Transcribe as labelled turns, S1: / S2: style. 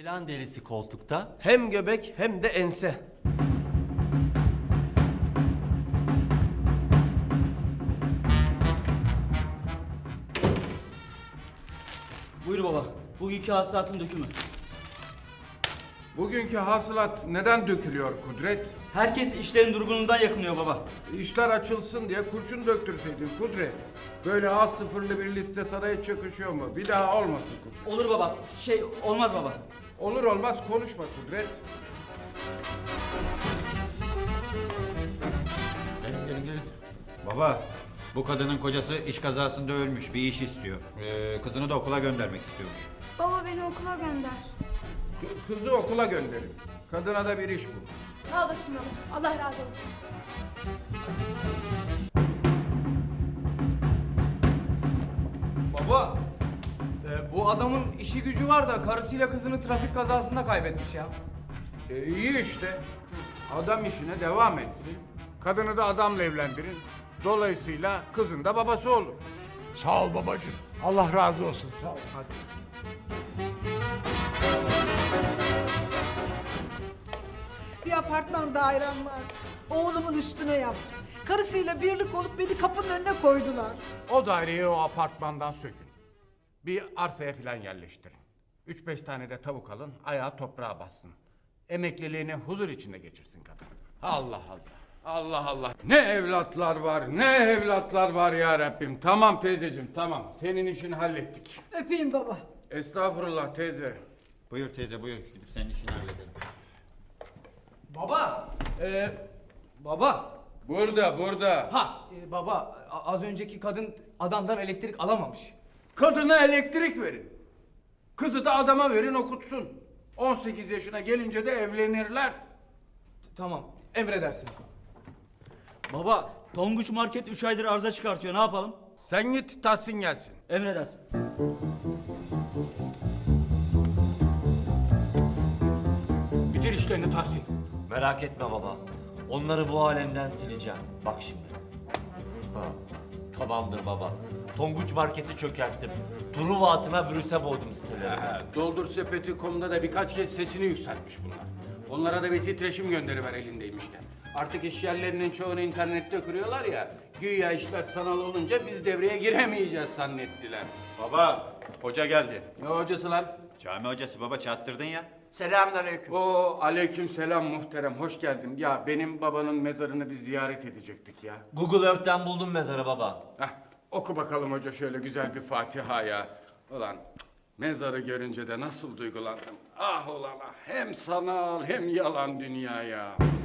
S1: Ceylan derisi koltukta.
S2: Hem göbek hem de ense.
S3: Buyur baba. Bugünkü hasılatın dökümü.
S4: Bugünkü hasılat neden dökülüyor Kudret?
S3: Herkes işlerin durgunluğundan yakınıyor baba.
S4: İşler açılsın diye kurşun döktürseydin Kudret. Böyle az sıfırlı bir liste saraya çöküşüyor mu? Bir daha olmasın Kudret.
S3: Olur baba. Olmaz baba.
S4: Olur olmaz konuşma Kudret.
S5: Gelin. Baba, bu kadının kocası iş kazasında ölmüş, bir iş istiyor. Kızını da okula göndermek istiyormuş.
S6: Baba beni okula gönder.
S4: Kızı okula gönderin. Kadına da bir iş bul.
S6: Sağ olasın baba. Allah razı olsun.
S7: Baba, bu adamın işi gücü var da karısıyla kızını trafik kazasında kaybetmiş ya.
S4: İyi işte. Adam işine devam etsin. Kadını da adamla evlendirin. Dolayısıyla kızın da babası olur.
S8: Sağ ol babacığım. Allah razı olsun. Sağ ol. Hadi.
S9: Bir apartman dairem vardı. Oğlumun üstüne yaptım. Karısıyla birlik olup beni kapının önüne koydular.
S4: O daireyi o apartmandan sökün. Bir arsaya filan yerleştirin. 3-5 tane de tavuk alın, ayağı toprağa bassın. Emekliliğini huzur içinde geçirsin kadın. Allah Allah. Allah Allah. Ne evlatlar var, ne evlatlar var ya Rabbim. Tamam teyzeciğim, tamam. Senin işini hallettik.
S9: Öpeyim baba.
S4: Estağfurullah teyze.
S5: Buyur teyze, buyur. Gidip senin işini halledelim.
S7: Baba, baba.
S4: Burada.
S7: Baba, az önceki kadın adamdan elektrik alamamış.
S4: Kadına elektrik verin. Kızı da adama verin okutsun. 18 yaşına gelince de evlenirler.
S7: Tamam, emredersiniz.
S3: Baba, Tonguç Market 3 aydır arıza çıkartıyor. Ne yapalım?
S4: Sen git Tahsin gelsin.
S3: Emredersin.
S4: Bitir işlerini Tahsin.
S1: Merak etme baba. Onları bu alemden sileceğim. Bak şimdi. Ha, tamamdır baba. Tonguç Market'i çökerttim. Truva atına virüse boğdum siteleri.
S4: Doldur sepeti.com'da da birkaç kez sesini yükseltmiş bunlar. Onlara da bir titreşim gönderiver elindeymişken. Artık iş yerlerinin çoğunu internette kuruyorlar ya. Güya işler sanal olunca biz devreye giremeyeceğiz zannettiler.
S5: Baba, hoca geldi.
S4: Ne hocası lan?
S5: Cami hocası baba, çattırdın ya.
S4: Selamünaleyküm. Oo aleyküm selam muhterem. Hoş geldin. Ya benim babanın mezarını bir ziyaret edecektik ya.
S1: Google Earth'ten buldum mezarı baba.
S4: Heh, oku bakalım hoca şöyle güzel bir Fatiha ya. Ulan mezarı görünce de nasıl duygulandım. Ah ulan ah. Hem sanal hem yalan dünya ya.